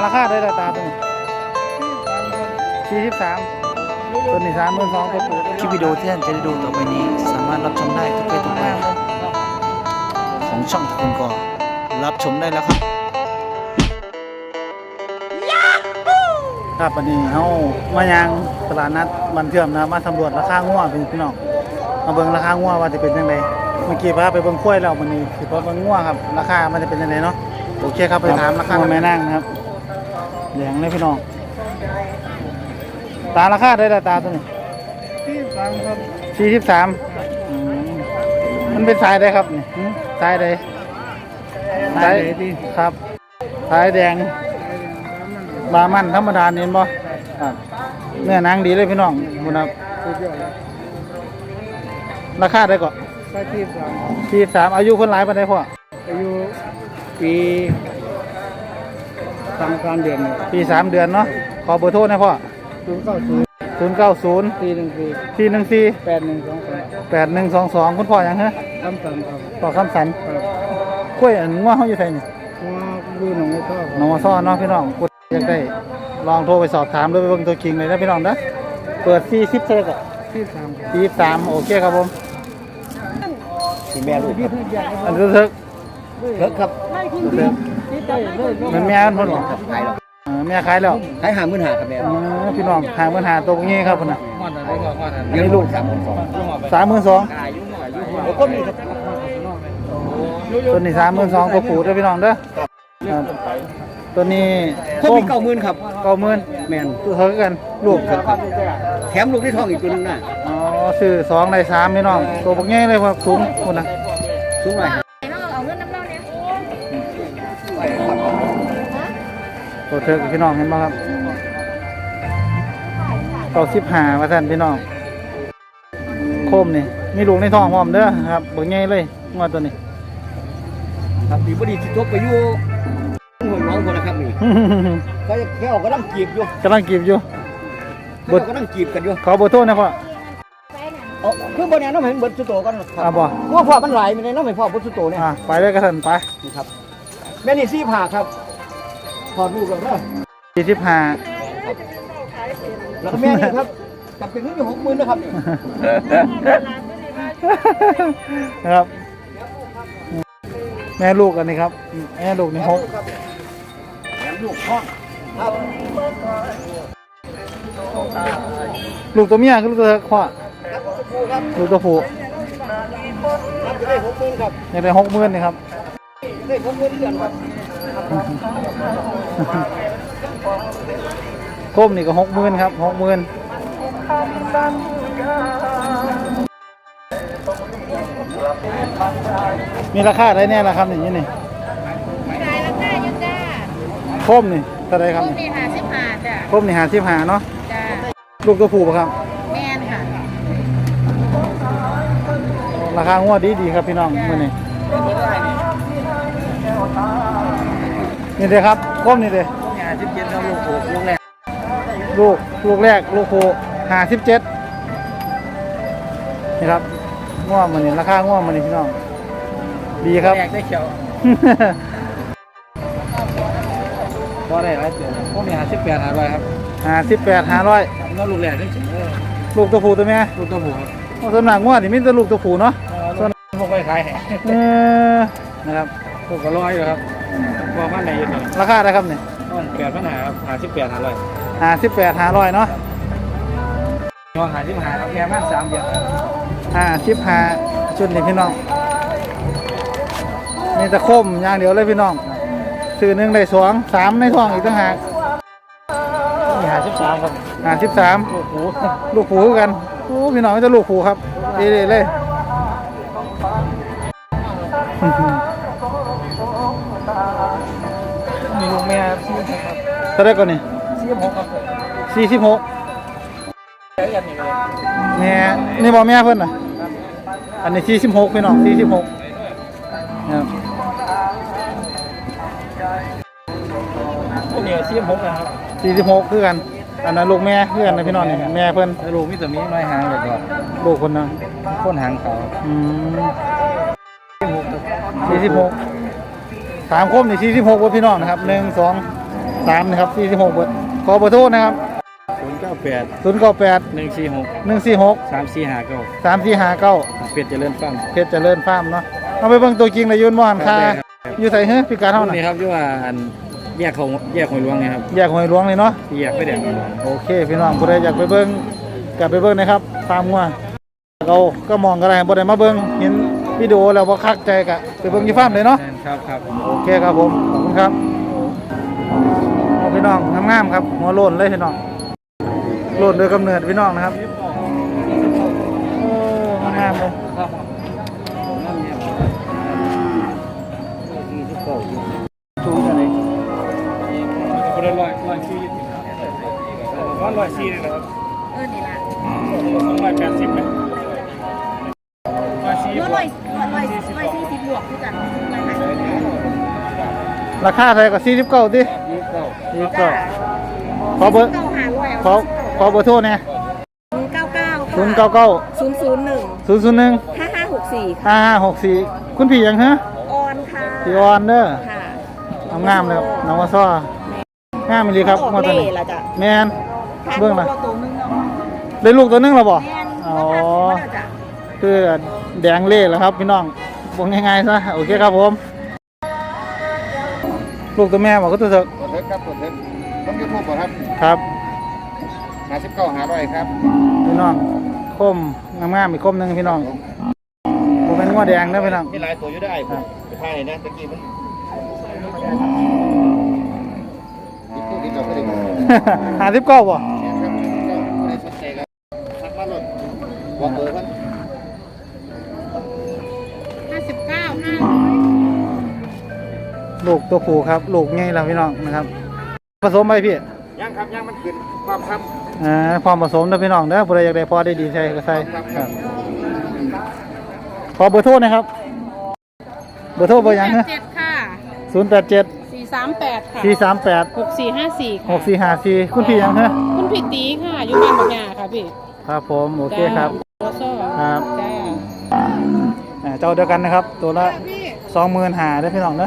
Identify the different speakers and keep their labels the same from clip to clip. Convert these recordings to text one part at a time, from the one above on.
Speaker 1: ราคาได้ตาตัวนี้43ตัวนี้32,000ตัวผู้
Speaker 2: คลิปวิดีโอที่ท่านจะได้ดูต่อไปนี้สามารถรับชมได้ทุกเพศทุกวัยของช่องคุณก็รับชมได้แล้วครับ
Speaker 1: ครับวันนี้เฮามายังตลาดนัดบันเทื่อมนะมาสำรวจราคางัวพี่น้องมาเบิ่งราคางัวว่าจะเป็นจังไดเมื่อกี้พาไปเบิ่งกล้วยแล้ววันนี้สิพาเบิ่งงัวครับราคามันจะเป็นจังไดเนาะโอเคครับไปถามราคาแม่นางนะครับแดงเลยพี่น้องตาราคาได้ตาตัวนี้43ครับ43มันเป็นสายใดครับนี่สายใดสายครับสายแดงบามันธรรมดาเห็นบ่ครับเนื้อหนังดีเลยพี่น้องบุญครับราคาได้ก่อน43อายุคนหลายปานใดพ่อ
Speaker 3: อายุปี3 เดือน
Speaker 1: ปี3 เดือนเนาะขอเบอร์โทรหน่อยพ่อ090 414 8122คุณพ่อหยังฮะ
Speaker 3: คำสั่งครับ
Speaker 1: พ่อคำสันกล้วยอันงัวเฮาอยู่ไสนี่
Speaker 3: ว่าดูหนองไอ้ท่อ
Speaker 1: น้องมาซ่อนเนาะพี่น้องกดอยากได้ลองโทรไปสอบถามด้วยไปเบิ่งตัวจริงเลยนะพี่น้องนะเปิด40เท่าไหร่ก็43โอเคครับผม
Speaker 3: แม่ลูก
Speaker 1: อันทึก
Speaker 3: ครับ
Speaker 1: มันแม่มันหรอ
Speaker 3: ขายแล้ว
Speaker 1: แม่ขายแล้ว
Speaker 3: ขาย50,000ครับแม่
Speaker 1: พี่น้อง50,000ตัวนี้ครับพุ่นน่ะ
Speaker 3: ยังลูก
Speaker 1: 32,000
Speaker 3: คนนี้ครับ
Speaker 1: ตัวนี้32,000ตัวผู้เด้อพี่น้องเด้อตัวนี้
Speaker 3: คนมี90,000ครับ
Speaker 1: 90,000
Speaker 3: แม่น
Speaker 1: ตัวเท่ากันลูก
Speaker 3: แถมลูกที่ท้องอีกตัวนึงน่ะ
Speaker 1: อ๋อซื้อ2ได้3พี่น้องตัวบักใหญ่เลยครับสูงพุ่นน่ะ
Speaker 3: สูงหน่อย
Speaker 1: ตัวเธอพี่น้องเห็นไหมครับ95ว่าท่านพี่น้องโคมนี่มีลูกในท้องพร้อมเด้อครับบักใหญ่เลยงวดตัวนี้
Speaker 3: ครับดีบ่ดีสิจบไปอยู่หัวน้องคนละครับนี่เขาแค่ออกกำลังจีบอยู่
Speaker 1: กำลังกีบอยู่
Speaker 3: บดกำลังจีบกันอยู่
Speaker 1: ขอเบอร์โทรนะพ่อ
Speaker 3: คือบ่เนี่ยน้องเห็นเบิดสุโตกัน
Speaker 1: ครับบ่
Speaker 3: ว่าพ่อมันหลายมีในน้องเห็นพ่อเบิดสุโตเนี่ย
Speaker 1: ไปเลยกระสันไป
Speaker 3: นี่ครับแม่นี่45ครับถอดลูกแล้วเด้อ
Speaker 1: 45
Speaker 3: แล้วแม่นี่ครับจับเป็นเงินอยู่60,000นะครับ
Speaker 1: ครับแม่ลูกอันนี้ครับแม่ลูกนี่6
Speaker 3: แม่ลูกพ่อครับ
Speaker 1: ลูกตัวเมียคือลูกตัวพ่อลูกตัวผู้
Speaker 3: ได้60,000ครับ
Speaker 1: ได้60,000นี่ครับ
Speaker 3: ได้60,000เดือนครับ
Speaker 1: โคมนี่ก็60,000ครับ60,000มีราคาได้แน่ละครับอย่างนี้นี่
Speaker 4: ราคาอยู่จ้า
Speaker 1: โคมนี่เท่าไรครับ
Speaker 4: โคมนี่55จ้ะ
Speaker 1: โคมนี่55เนาะ
Speaker 4: จ้า
Speaker 1: ลูกตัวผู้ป่ะครับ
Speaker 4: แม่นค่ะ
Speaker 1: ราคางวดดีครับพี่น้องมื้อนี้นี่เด้ครับโคมนี่เด้
Speaker 3: 57ครับลูกแรก
Speaker 1: ลูกแรกลูกผู้57นี่ครับง่วงมันนี่ราคาง่วงมันนี่พี่น้องดีครับ
Speaker 3: แรกได้เขียวพอได้หลายตัวพวกนี้58,500ครับ
Speaker 1: 58,500
Speaker 3: แล้วลูกแรกได้ถึง
Speaker 1: ลูกตัวผู้ตัวแม่
Speaker 3: ลูกตัวผู้ครับ
Speaker 1: ส่วนหนักง่วงนี่มีแต่ลูกตัวผู้เนาะ
Speaker 3: ส่วนพวกไปขาย
Speaker 1: นะครับ
Speaker 3: พวกก็100อยู่ครับพวกมันไหนอยู่นี่
Speaker 1: ราคาอะไรครับนี่
Speaker 3: 8,500ครับ58,500
Speaker 1: 58,500เนาะ
Speaker 3: น้อง55ครับแม่มัน3เดือน
Speaker 1: 55ชุดนี่พี่น้องมีแต่คมอย่างเดียวเลยพี่น้องซื้อ1ได้2 3ในท้องอีกต่างหาก
Speaker 3: นี่53ครับ
Speaker 1: 53ลูกผู้กันโอ้พี่น้องจะลูกผู้ครับดีเลย
Speaker 3: มีลูกแม่46ครับ
Speaker 1: เท่าไรก่อนนี่
Speaker 3: 46ครับ
Speaker 1: 46แม่นี่บอกแม่เพิ่นน่ะอันนี้46พี่น้อง46ครับ
Speaker 3: พวกนี้46นะครับ
Speaker 1: 46คือกันอันนั้นลูกแม่คือกันนะพี่น้องนี่แม่เพิ่น
Speaker 3: ลูกมีแต่มีไม้หางแบบว่า
Speaker 1: ลูกคนนึง
Speaker 3: คนหางขาว
Speaker 1: 46 3คมนี่46ว่าพี่น้องนะครับ1 2 3นะครับ46เบอร์ขอเบอร์โทรนะครับ
Speaker 3: 098
Speaker 1: 098
Speaker 3: 146
Speaker 1: 146
Speaker 3: 3459
Speaker 1: 3459
Speaker 3: เป็ดเจริญฟาร์ม
Speaker 1: เพชรเจริญฟาร์มเนาะเอาไปเบิ่งตัวจริงเลยยืนบ่หันค่าอยู่ใส่เฮ้ยพิการเท่าน่ะ
Speaker 3: นี่ครับที่ว่าอันแยกหอยหลวงเนี่ยครับ
Speaker 1: แยกหอยหลวงเลยเนาะ
Speaker 3: ที่แยกไปแดงหอยหลวง
Speaker 1: โอเคพี่น้องผู้ใดอยากไปเบิ่งกลับไปเบิ่งนะครับฟาร์มงัวเราก็มองกันได้บ่ได้มาเบิ่งเห็นวิดีโอแล้วบ่คักใจกะไปเบิ่งที่ฟาร์มเลยเนาะ
Speaker 3: ครับ
Speaker 1: โอเคครับผมขอบคุณครับเอาพี่น้องงามๆครับหัวโล้นเลยพี่น้องโล้นโดยกำเนิดพี่น้องนะครับงามๆเลย
Speaker 3: ชูกันเลยคนละ100ชี้100ชี้เลยนะครับ
Speaker 4: นี่ละ
Speaker 3: 280นะ100ชี้
Speaker 4: ร้อย40บวกคือกัน
Speaker 1: ราคาเท่าไหร่ก็49ติ49ขอเบอร์
Speaker 4: เก้าหาร้อย
Speaker 1: ขอเบอร์โทรเนี่ย
Speaker 4: 099
Speaker 1: 099
Speaker 4: 001
Speaker 1: 001
Speaker 4: 5564
Speaker 1: 5564คุณพี่ยังฮะ
Speaker 4: ออนค่ะ
Speaker 1: พี่ออนเด้อ
Speaker 4: ค่ะ
Speaker 1: เอางามเลยครับน้องว่าซ้องามเลยครับ
Speaker 4: ออก
Speaker 1: งวดตัว
Speaker 4: เล่
Speaker 1: นี้
Speaker 4: ละจ้ะ
Speaker 1: แม่นเบิ่งล่ะ
Speaker 4: ตัวนึงเนาะ
Speaker 1: ได้ลูกตัวหนึงแล้วบ่
Speaker 4: แม่น
Speaker 1: อ๋อ
Speaker 4: ว่าจ้ะ
Speaker 1: คือแดงเล่แล้วครับพี่น้องบอกง่ายๆซะโอเคครับผม ลูกตัวแม่บอกก็ตัวเถอะ
Speaker 5: กดเทิร์ครับกดเทิร์ต้องยูทูบก่อนครับ
Speaker 1: ครับ
Speaker 5: 59 500ครับ
Speaker 1: พี่น้องคมงามๆอีกคมหนึงพี่น้องผมเป็นงัวแดงนะพี่น้อง
Speaker 5: มีหลายตัวอยู่ได้ผมไปถ่ายนะตะกี้มันอีกตัวนี้ก็ไม่ได้บอก
Speaker 1: 59บ่
Speaker 5: ครับก็ไม่ได้สนใจกันทักมาเลยบอกเบอร์มัน
Speaker 4: 59
Speaker 1: ลูกตัวผู้ครับลูกใหญ่แล้วพี่น้องนะครับผสมไปพี่
Speaker 5: ยังครับยังมันขึ้นความครับ
Speaker 1: พร้อมผสมนะพี่น้องเด้อผู้ใดอยากได้พอได้ดีใส่ก็ใส่ครับขอเบอร์โทรนะครับเบอร์โทรเบอร์หยังนะ
Speaker 4: 87ค่ะ
Speaker 1: 087
Speaker 4: 438 ค่ะ
Speaker 1: 438
Speaker 4: 6454
Speaker 1: 6454คุณพี่หยังฮะ
Speaker 4: คุณผิดตีค่ะ อยู่บ้านบางยาค่ะพี่
Speaker 1: ครับผมโอเคครับ
Speaker 4: โอโซ่
Speaker 1: ครับ
Speaker 4: จ้า
Speaker 1: เจ้าเดียวกันนะครับ ตัวละ
Speaker 4: พี่
Speaker 1: 25,000ได้อพี่น้อง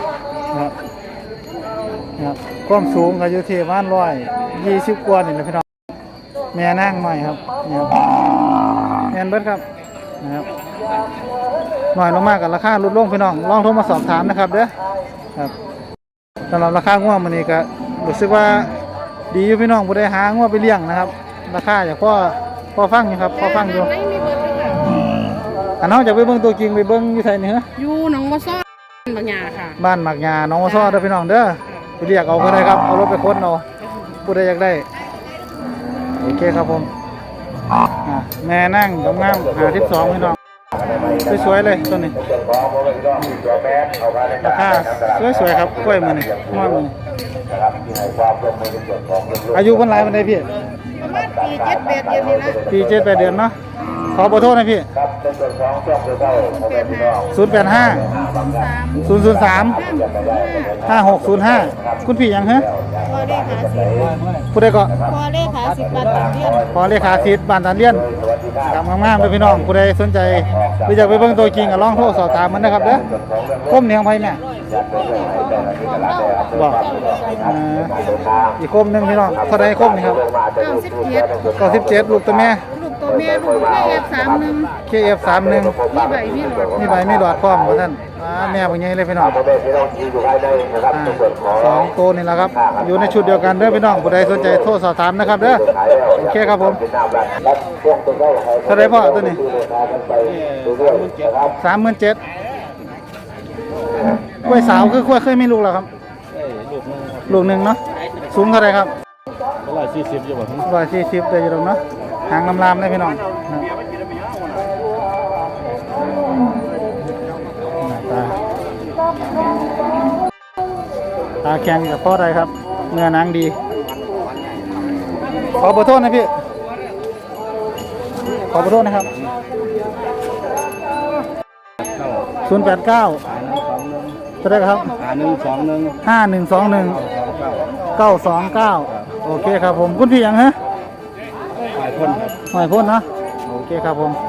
Speaker 1: นะครับความสูงก็อยู่ที่ประมาณ120กว่านี่แหละพี่น้องแม่นั่งหน่อยครับนี่ครับแม่นเบิดครับนะครับหน่อยลงมากกับราคาลดลงพี่น้องลองโทรมาสอบถามนะครับเด้อครับสำหรับราคางัวมันนี่ก็รู้สึกว่าดีอยู่พี่น้องบ่ได้หางัวไปเลี้ยงนะครับ ราคาอย่างพ่อฟังอยู่ครับพ่อฟังอยู่
Speaker 4: ไม่มีเบอร์เลยค่ะ
Speaker 1: อันน้องจะไปเบิ่งตัวจริงไปเบิ่งอยู่ไสนี่ฮะ
Speaker 4: อยู่หนองวัวซ่อนบางยาค่ะ
Speaker 1: บ้านหมักยาน้องวอซ้อเด้อพี่น้องเด้อไปเรียกเอาก็ได้ครับเอารถไปค้นเอาผู้ใดอยากได้โอเคครับผมแม่นั่งงามๆ52พี่น้องสวยๆเลยตัวนี้ราคาสวยๆครับกล้วยมื้อนี้งามมื้อนี้อายุเพิ่นหลายปานใดพี่
Speaker 4: ประมาณปี7-8เดือนนี่นะ
Speaker 1: ปี7-8 เดือนเนาะขอเบอร์โทรหน่อยพี่085 003 5605คุณพี่หยังฮะ
Speaker 4: พอได้ค่ะสิ
Speaker 1: ผู้ใดก็
Speaker 4: พอได้ค่ะ10 บาทต่อเดือน
Speaker 1: พอเลขาทิศบ้านตาเลียนกำงามๆเลยพี่น้องผู้ใดสนใจหรืออยากไปเบิ่งตัวจริงก็ลองโทรสอบถามมันนะครับเด้อคมเหนียงไผแม่บอกอีกคมหนึงพี่น้องเท่าใดคมนี่ครับ
Speaker 4: 97
Speaker 1: 97ลูกตัวแม่
Speaker 4: ลูกตัวแม่ลูกแค่31
Speaker 1: KF31
Speaker 4: มีใบมีหลอด
Speaker 1: มีใบมีหลอดพร้อมว่าท่านแม่บ่ใหญ่เลยพี่น้องสองตัวนี่แหละครับอยู่ในชุดเดียวกันเด้อพี่น้องผู้ใดสนใจโทรสอบถามนะครับเด้อโอเคครับผมเท่าใดพ่อตัวนี้ 37,000กล้วยสาวคือกล้วยเคยมีลูกแล้วครับลูกหนึ่งเนาะสูงเท่าไหรครับ140อยู่บ่140ได้อยู่ตรงเนาะหางลำๆได้พี่น้องตาแข็งกับพ่อใดครับเนื้อหนังดีขอเบอร์โทษนะพี่ขอเบอร์โทษนะครับ089เท่าไหรครับ5121 929โอเคครับผมคุณพี่หยังฮะหอยพ่นเนาะโอเคครับผม